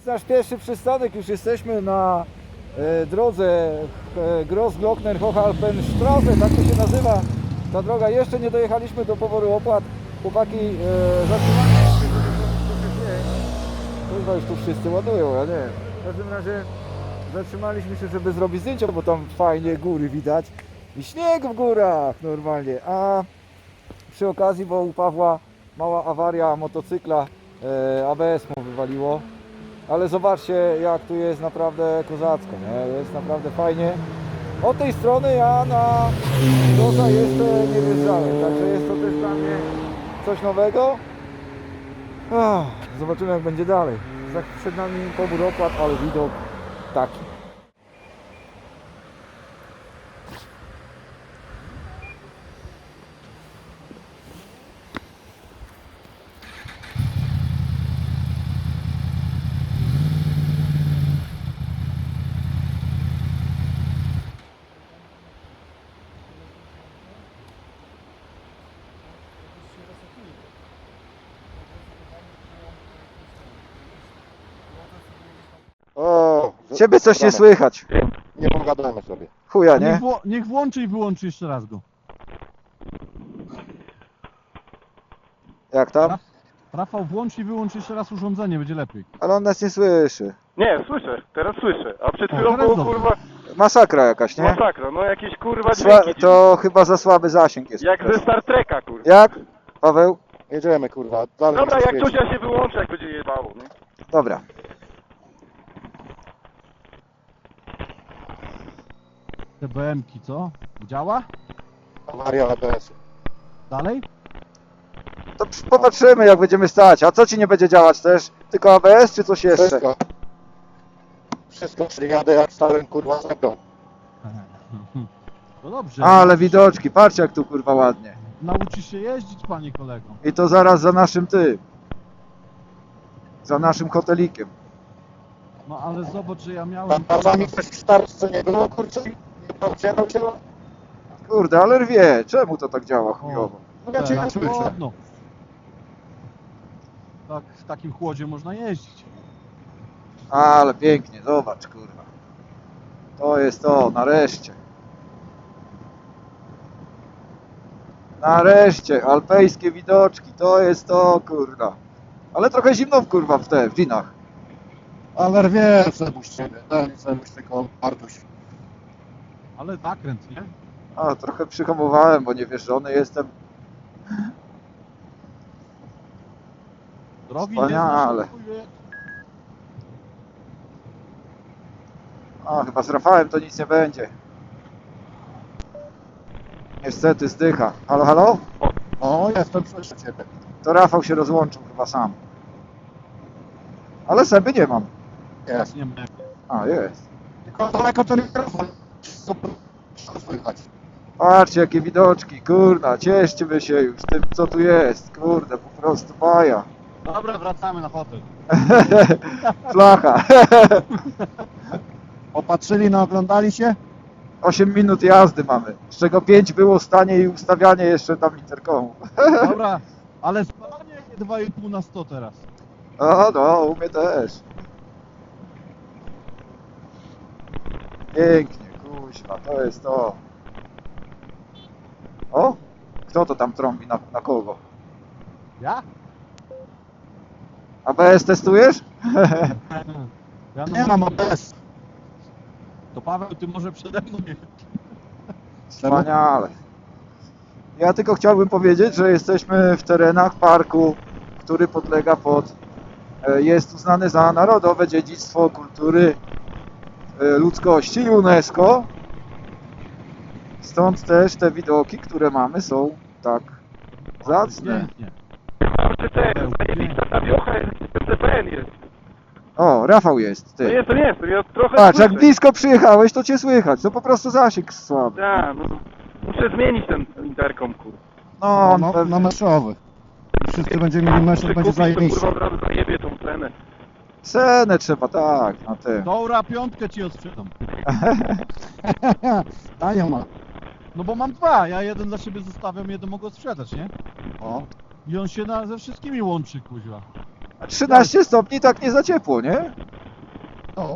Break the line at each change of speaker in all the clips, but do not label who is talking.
nasz pierwszy przystanek, już jesteśmy na drodze Grossglockner-Hochalpenstraße, tak to się nazywa ta droga. Jeszcze nie dojechaliśmy do poboru opłat. Chłopaki zatrzymali się, chyba już tu wszyscy ładują, ja nie wiem. W każdym razie zatrzymaliśmy się, żeby zrobić zdjęcia, bo tam fajnie góry widać i śnieg w górach normalnie. A przy okazji, bo u Pawła mała awaria motocykla, ABS mu wywaliło. Ale zobaczcie, jak tu jest naprawdę kozacko, nie? Jest naprawdę fajnie. Od tej strony ja na Groza jeszcze nie wjeżdżałem, także jest to też dla mnie coś nowego. Zobaczymy, jak będzie dalej. Przed nami pobór opłat, ale widok taki.
O,
Ciebie coś nie słychać.
nie pogadamy sobie.
Chuja, nie?
Niech włączy i wyłączy jeszcze raz go.
Jak tam?
Rafał, włącz i wyłącz jeszcze raz urządzenie, będzie lepiej.
Ale on nas nie słyszy.
Nie, słyszę, teraz słyszę. A przed
O,
chwilą
teraz
było
dobrze.
kurwa
Masakra jakaś, nie?
masakra, no jakieś kurwa dźwięki.
To chyba za słaby zasięg jest.
Jak ze Star Treka, kurwa.
Jak? Paweł?
Jedziemy, kurwa. Dalej
Dobra,
nie
jak
świeci.
coś ja się wyłączę, jak będzie jebało, nie?
Dobra.
Te BM-ki, co? Działa?
Awaria ABS-u.
Dalej?
To popatrzymy, jak będziemy stać. A co ci nie będzie działać też? Tylko ABS czy coś jeszcze?
Wszystko. Wszystko, czyli jadę jak stałem, kurwa, zebrą.
No dobrze.
Ale widoczki, patrzcie jak tu kurwa ładnie.
Nauczysz się jeździć, panie kolego.
I to zaraz za naszym za naszym hotelikiem.
No ale zobacz, że ja
Tam
miałem...
czasami ktoś w starce nie było, kurczę, nie powiedział cię.
Kurde, ale rwie, czemu to tak działa chujowo?
No ja cię nie
Teraz
słyszę.
chłodno. Tak, w takim chłodzie można jeździć.
Ale pięknie, zobacz kurwa. To jest to, nareszcie. Nareszcie, alpejskie widoczki, to jest to kurwa. Ale trochę zimno kurwa w dżinach.
Ale rwie, Sebuś ciebie. Daj Sebuś tylko Bartuś.
Ale zakręt, nie?
A, trochę przyhamowałem, bo niewierzony jestem.
Drogi
Wspaniale.
nie znasz, chuj wie.
A, chyba z Rafałem to nic nie będzie. Niestety zdycha. Halo, halo?
O, jestem, słyszę ciebie.
To Rafał się rozłączył chyba sam. Ale Seby nie mam.
Jest.
Nie ma.
A, jest.
Tylko daleko ten mikrofon. Super. Wszystko słychać.
Patrzcie jakie widoczki, kurna, cieszcie się już tym co tu jest. Kurde, po prostu baja.
Dobra, wracamy na hotel.
Flacha.
Opatrzyli, naoglądali się?
8 minut jazdy mamy, z czego 5 było stanie i ustawianie jeszcze tam interkomu.
Dobra, ale spalanie 2,5 na 100 teraz.
No, u mnie też. Pięknie, kuźwa, to jest to. O, kto to tam trąbi na kogo?
Ja?
ABS testujesz?
Ja
Nie mam ABS.
To Paweł, ty może przede mną nie.
Wspaniale. Ja tylko chciałbym powiedzieć, że jesteśmy w terenach parku, który podlega jest uznany za Narodowe Dziedzictwo Kultury Ludzkości UNESCO. Stąd też te widoki, które mamy, są tak zacne.
Pięknie.
RTC, zajebista ta wiocha jest, CPN jest.
O, Rafał jest,
No
ty.
jestem, ja trochę
Patrz, jak
słyszę.
blisko przyjechałeś, to cię słychać. To po prostu zasięg słaby.
Tak, no. Muszę zmienić ten interkom, kurwa.
No,
Na meszowy. Wszyscy będziemy mieli meszek, będzie
Kupić, to
zajebiście.
kurwa od razu zajebie tą cenę.
cenę trzeba, tak, na tym.
Dobra, piątkę ci odsprzedam.
Tanio ma.
No bo mam dwa, ja jeden dla siebie zostawiam, jeden mogę sprzedać, nie?
O.
I on się ze wszystkimi łączy, kuźwa.
13 stopni tak nie za ciepło, nie?
No,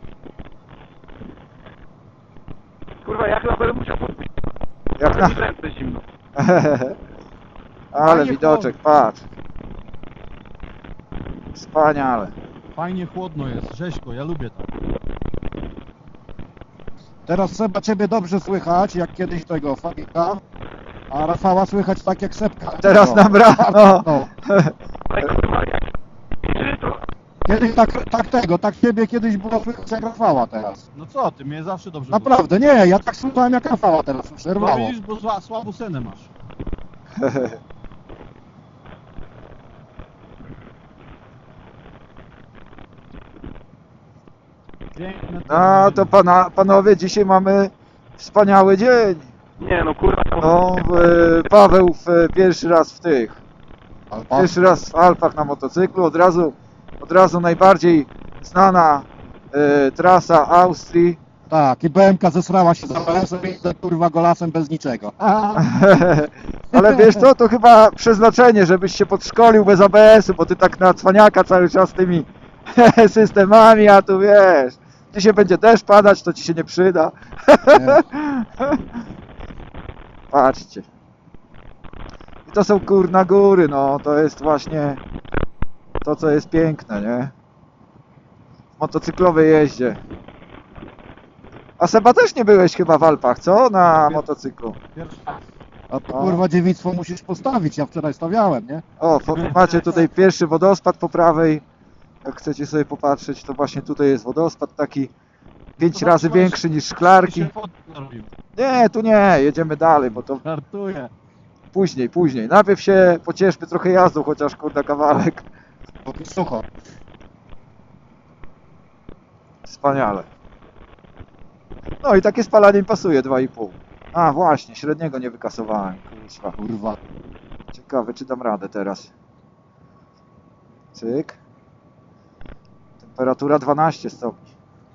Kurwa, ja chyba będę musiał podpić.
Jak
Ale
na...
mi ręce zimno.
Ale
Fajnie
widoczek, patrz. Wspaniale.
Fajnie chłodno jest, rzeźko, ja lubię to.
teraz trzeba ciebie dobrze słychać, jak kiedyś tego Fabika, a Rafała słychać tak jak Sepka.
Teraz
No.
nam rano.
No.
Ale kurwa, jak... Czy to...
Kiedyś tak ciebie kiedyś było słychać jak Rafała teraz.
No co ty, mnie zawsze dobrze
Naprawdę, nie, ja tak słuchałem jak Rafała teraz,
było. No
przerwało.
widzisz, bo słabą cenę masz. Piękne
No to panowie, dzisiaj mamy wspaniały dzień.
Nie no, kurwa, to...
No, Paweł pierwszy raz w tych.
Alpa.
Pierwszy raz w Alpach na motocyklu. Od razu najbardziej znana trasa Austrii.
Tak, i BMK zesrała się za ABS-em i idę, kurwa golasem bez niczego.
Ale wiesz co, to chyba przeznaczenie, żebyś się podszkolił bez ABS-u, bo ty tak na cwaniaka cały czas tymi systemami, a tu wiesz, dzisiaj będzie deszcz padać, to ci się nie przyda.
Nie.
Patrzcie. I to są kurna góry, no to jest właśnie to, co jest piękne, nie? W motocyklowej jeździe. A Seba też nie byłeś chyba w Alpach, co? Na motocyklu.
Pierwszy raz.
A to kurwa dziewictwo musisz postawić, ja wczoraj stawiałem, nie?
O, macie tutaj pierwszy wodospad po prawej. Jak chcecie sobie popatrzeć, to właśnie tutaj jest wodospad taki 5
To
razy
zatrzymaj
większy niż szklarki.
się fotki narobimy.
Nie, tu nie, jedziemy dalej, bo to
Żartuję.
później. Najpierw się pocieszmy trochę jazdą, chociaż kurde kawałek.
Póki sucho.
Wspaniale. No i takie spalanie mi pasuje 2,5. A właśnie, średniego nie wykasowałem. Kurwa.
Kurwa.
Ciekawe, czy dam radę teraz. Cyk. Temperatura 12 stopni.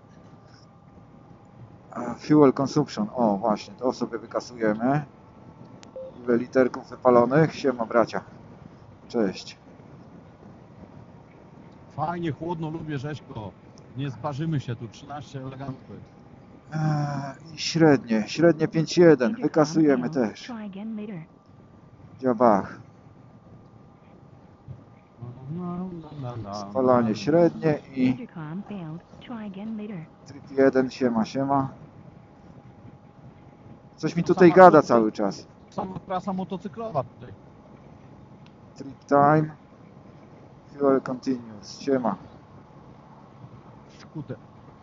Fuel consumption. O, właśnie, to sobie wykasujemy. Ile literków wypalonych? Siema, bracia. Cześć.
Fajnie, chłodno, lubię rzeźko. Nie sparzymy się tu, 13 elegancko.
I średnie 5,1. Wykasujemy też. Dziabach. Spalanie średnie i tryb 1, siema. Coś mi tutaj gada cały czas.
Sama trasa motocyklowa tutaj.
Trip time. Fuel continuous. Siema.
Skuter.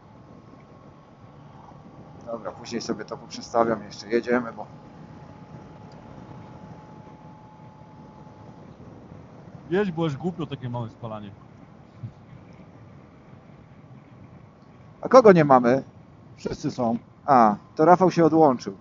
Dobra, później sobie to poprzestawiam jeszcze. Jedziemy, bo...
Jedź, bo już głupio takie małe spalanie.
A kogo nie mamy?
Wszyscy są.
A, to Rafał się odłączył.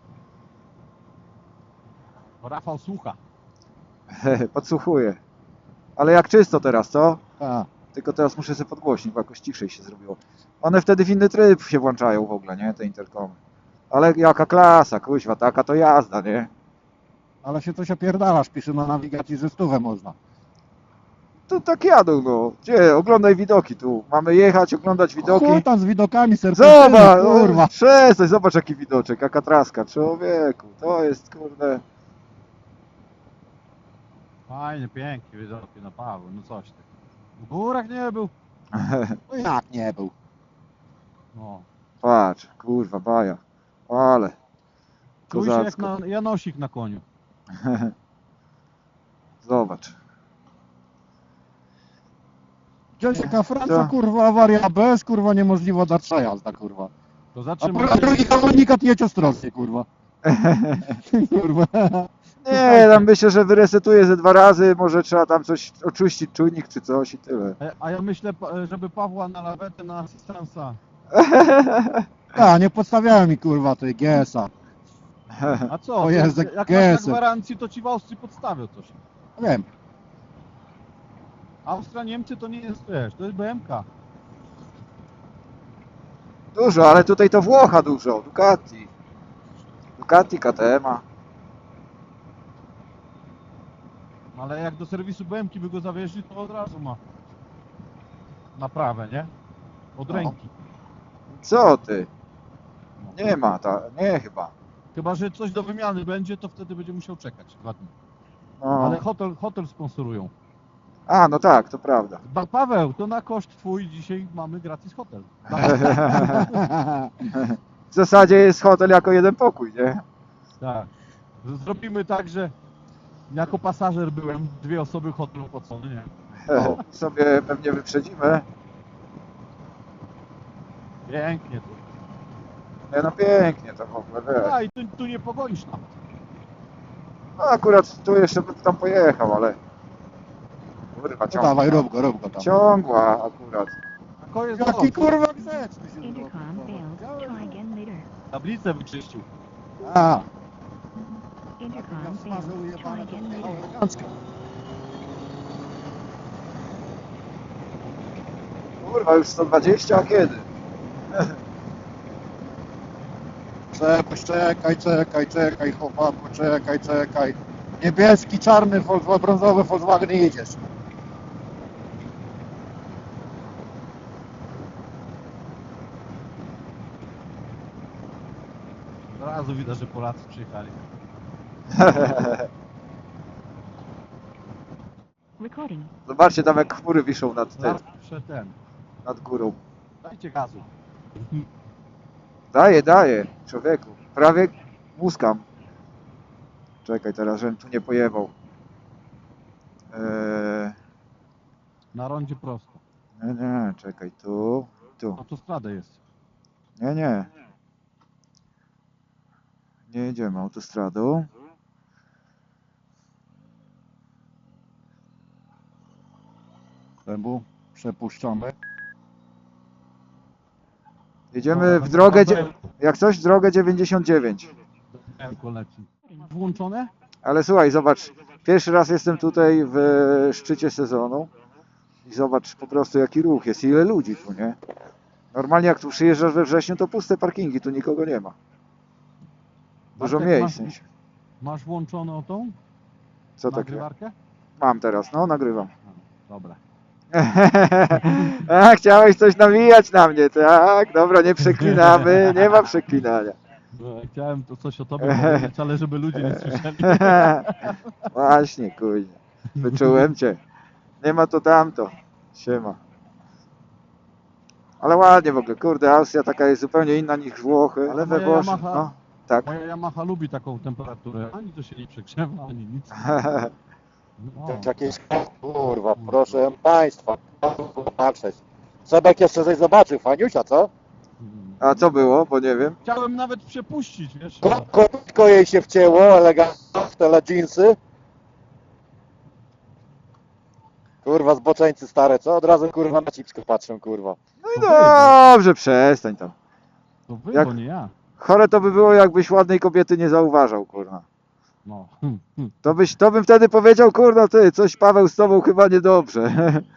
Bo Rafał słucha.
Podsłuchuje. Ale jak czysto teraz, co?
A,
Tylko teraz muszę sobie podgłośnić, bo jakoś ciszej się zrobiło. One wtedy w inny tryb się włączają w ogóle, nie? Te interkomy. Ale jaka klasa, kuźwa, taka to jazda, nie?
ale się coś opierdalasz, pisze na nawigacji, że 100 można.
Tu tak jadą, no. Gdzie? Oglądaj widoki tu. Mamy jechać, oglądać widoki.
Chuj tam z widokami, serpentyny,
Zobacz,
kurwa.
przestań, zobacz jaki widoczek, jaka traska, człowieku. To jest, kurde...
Fajnie, pięknie, widoki na Paweł, no coś ty. W górach nie był.
No jak nie był?
No.
Patrz, kurwa, baja. Ale...
Czuj się jak
Kozacko.
na Janosik na koniu.
Zobacz.
Gdzieś taka Francja,
Co?
kurwa, awaria ABS, kurwa, niemożliwa dalsza jazda, kurwa.
To
A
zatrzymaj
drugi komunikat jedź ostrożnie, kurwa. Kurwa.
Nie, tam myślę, że wyresetuję ze 2 razy, może trzeba tam coś oczyścić, czujnik czy coś i tyle.
A ja myślę, żeby Pawła na lawetę na asystansa.
A, nie podstawiałem mi, kurwa, tej GS-a.
A co?
O Jezu,
jak masz na
gesy.
gwarancji, to ci w Austrii podstawią coś.
Wiem.
Austria, Niemcy to nie jest, wiesz, to jest BMK.
Dużo, ale tutaj to Włocha dużo, Ducati. Ducati, KTM-a.
Ale jak do serwisu BMK by go zawieźli, to od razu ma naprawę, nie? Od
No.
ręki.
Co ty?
No.
Nie ma, nie chyba.
Chyba, że coś do wymiany będzie, to wtedy będzie musiał czekać 2 dni.
No.
Ale hotel sponsorują.
A, no tak, to prawda.
Paweł, to na koszt twój dzisiaj mamy gratis hotel.
W zasadzie jest hotel jako jeden pokój, nie?
Tak. Zrobimy tak, że jako pasażer byłem, 2 osoby hotel opłacone, nie?
Sobie pewnie wyprzedzimy.
Pięknie tu.
Nie, no pięknie to w ogóle, wiesz.
A i tu nie pogonisz nawet.
No akurat tu jeszcze bym tam pojechał, ale... Kurwa,
No
ciągła.
dawaj, rób go tam.
Ciągła akurat.
A ko jest
Jaki
dobrze.
kurwa grzeczny się
Intercom failed. Try again later.
Tablicę wyczyścił.
A,
Intercom failed.
smażył
Try
jebane,
again
to
later.
elegancko.
Kurwa, już 120, a kiedy?
Czekaj, chłopaku, czekaj. Niebieski, czarny, brązowy Volkswagen i jedziesz.
Od razu widać, że Polacy przyjechali.
Recording.
Zobaczcie tam jak chmury wiszą nad tym,
Zawsze ten.
nad górą.
Dajcie gazu.
Daję, człowieku. Prawie muskam. Czekaj teraz, żebym tu nie pojebał.
Na rondzie prosto.
Nie, czekaj, tu.
Autostrada jest.
Nie. Nie jedziemy autostradą.
Zębu, przepuszczony.
Jedziemy w drogę, jak coś, w drogę 99.
Leci. Włączone?
Ale słuchaj, zobacz, pierwszy raz jestem tutaj w szczycie sezonu i zobacz po prostu jaki ruch jest, ile ludzi tu, nie? Normalnie jak tu przyjeżdżasz we wrześniu, to puste parkingi, tu nikogo nie ma. Dużo
Bartek,
miejsc.
Masz włączoną tą
Co takiego?
nagrywarkę?
Mam teraz, no nagrywam.
Dobra.
A, chciałeś coś nawijać na mnie, tak? Dobra, nie przeklinamy, nie ma przeklinania.
Chciałem tu coś o tobie powiedzieć, ale żeby ludzie nie słyszeli.
Właśnie, kurde. Wyczułem cię. Nie ma to tamto. Siema. Ale ładnie w ogóle, kurde, Austria taka jest zupełnie inna niż Włochy, ale we
moja
Włoszech,
Yamaha-
no, tak.
Moja Yamaha lubi taką temperaturę. Ani to się nie przegrzewa, ani nic. No.
Jakieś kurwa, proszę państwa, patrzeć. Sebek jeszcze coś zobaczył, faniusia, co?
A co było, bo nie wiem.
Chciałem nawet przepuścić, wiesz.
Kopytko jej się wcięło, elegancko w te jeansy. Kurwa, zboczeńcy stare, co? Od razu kurwa na cipsko patrzę, kurwa.
No i dobrze, przestań tam.
To wy,
Jak-
bo nie ja.
Chore to by było, jakbyś ładnej kobiety nie zauważał, kurwa.
No.
To bym wtedy powiedział, kurwa, ty, coś Paweł z tobą chyba niedobrze.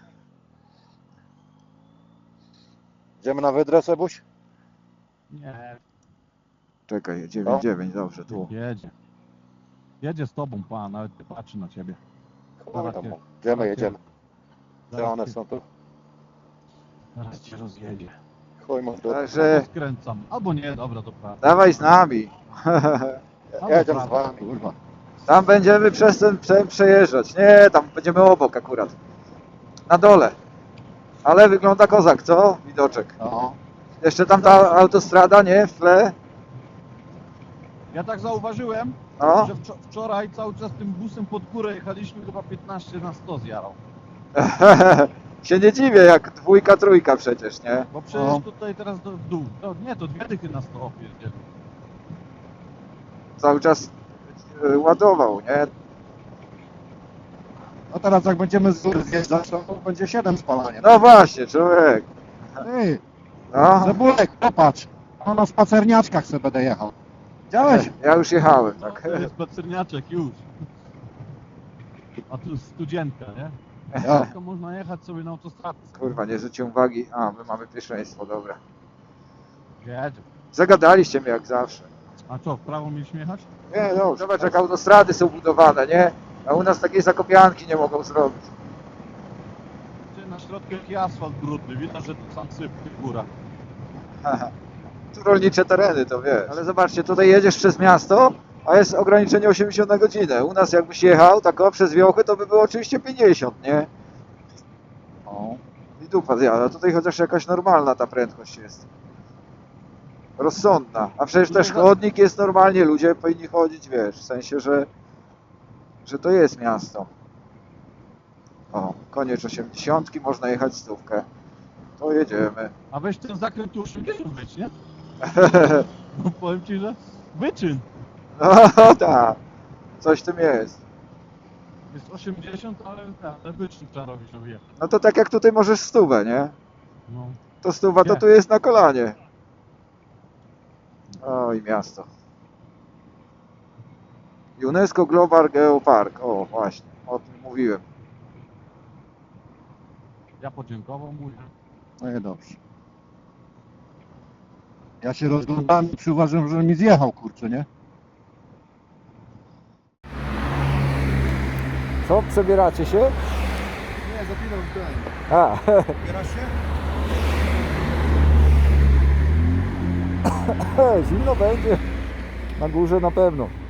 Idziemy na wydrę, Sebuś?
Nie,
Czekaj, 9-9, dobrze, tu.
jedzie. Jedzie z tobą pan, nawet nie patrzy na ciebie.
Kurwa,
Zaraz cię-
idziemy, jedziemy. Gdzie
Zaraz
one
cię-
są tu?
Zaraz cię rozjedzie.
Chuj mu w dupę.
Także
Skręcam. Albo nie, dobra, to prawda.
dawaj z nami.
Jedziemy z wami, kurwa.
Tam będziemy przez ten przejeżdżać. Nie, tam będziemy obok akurat. Na dole. Ale wygląda kozak, co? Widoczek.
No.
Jeszcze tam ta autostrada, nie? W tle.
Ja tak zauważyłem,
No.
że wczoraj cały czas tym busem pod górę jechaliśmy, chyba 15 na 100 zjarał.
Się nie dziwię, jak dwójka, trójka przecież, nie?
Bo przecież
No.
tutaj teraz w dół. No, nie, to 2 dychy na 100 jedzie.
Cały czas ładował, nie?
No teraz jak będziemy z góry zjeżdżać, to będzie 7 spalanie.
No właśnie, człowiek.
Ty,
No.
Cebulek, popatrz. No na spacerniaczkach sobie będę jechał. Widziałeś?
Ja już jechałem, tak.
To jest pacerniaczek już. A tu studzienka, nie?
Ja.
To można jechać sobie na autostradę.
Kurwa, nie zwróciłem uwagi. A, my mamy pierwszeństwo, dobra.
Jedzie.
Zagadaliście mnie jak zawsze.
A co, w prawo mieliśmy jechać?
Nie, no, zobacz jak autostrady są budowane, nie? A u nas takiej zakopianki nie mogą zrobić.
na środku jaki asfalt brudny, widać, że to sam syp w tych górach.
Tu rolnicze tereny, to wiesz. Ale zobaczcie, tutaj jedziesz przez miasto, a jest ograniczenie 80 na godzinę. U nas jakbyś jechał tak o przez wiochy, to by było oczywiście 50, nie? O. I dupa zjada. Tutaj chociaż jakaś normalna ta prędkość jest. Rozsądna. A przecież też chodnik jest normalnie, ludzie powinni chodzić, wiesz, w sensie, że to jest miasto. O, koniec 80, można jechać stówkę. To jedziemy.
A weź ten zakręt tu 80 być, nie? No powiem ci, że wyczyn.
No tak, coś w tym jest.
Jest 80, ale wyczyn trzeba robić, żeby jechać.
No to tak jak tutaj możesz stówę, nie?
No.
To stuwa to
Nie.
tu jest na kolanie. Oj, miasto. UNESCO Global Geopark. O, właśnie, o tym mówiłem.
Ja podziękował mu.
No i dobrze. Ja się rozglądałem i przyuważyłem, że mi zjechał, kurczę, nie?
Co, przebieracie się?
Nie, zapinam ten.
A,
Bierasz się?
zimno będzie. Na górze na pewno.